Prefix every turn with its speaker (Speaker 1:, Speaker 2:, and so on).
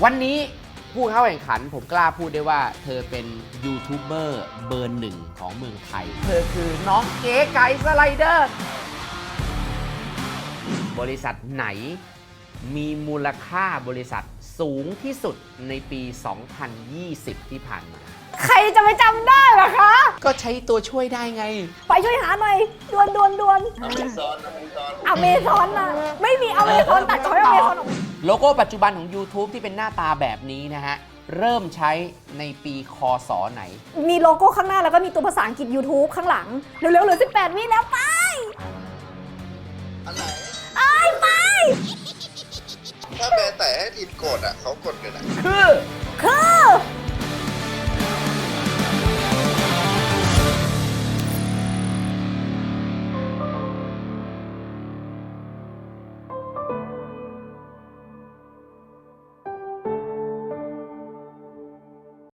Speaker 1: วันนี้ผู้เข้าแข่งขันผมกล้าพูดได้ว่าเธอเป็นยูทูบเบอร์เบอร์หนึ่งของเมืองไทย เธอคือน้องเก๋ไก่สไลเดอร์ บริษัทไหนมีมูลค่าบริษัทสูงที่สุดในปี 2020 ที่ผ่านมา
Speaker 2: ใครจะไปจำได้ล่ะคะ
Speaker 1: ก็ใช้ตัวช่วยได้ไง
Speaker 2: ไปช่วยหาหน่อยดวน
Speaker 3: อเมซอน
Speaker 2: อเมซอนน่ะไม่มีอเมซอนตัดช้อยอเมซอนออกมา
Speaker 1: โลโก้ปัจจุบันของ YouTube ที่เป็นหน้าตาแบบนี้นะฮะ เริ่มใช้ในปีคศไหน
Speaker 2: มีโลโก้ข้างหน้าแล้วก็มีตัวภาษาอังกฤษ YouTube ข้างหลัง เร็วๆเหลือ18 วิแล้วไป
Speaker 3: อันไหน
Speaker 2: ไป
Speaker 3: ถ้าแม่แต่ให้ทีมกดอ่ะเขากดกันอ่ะ
Speaker 1: คือ
Speaker 2: คือ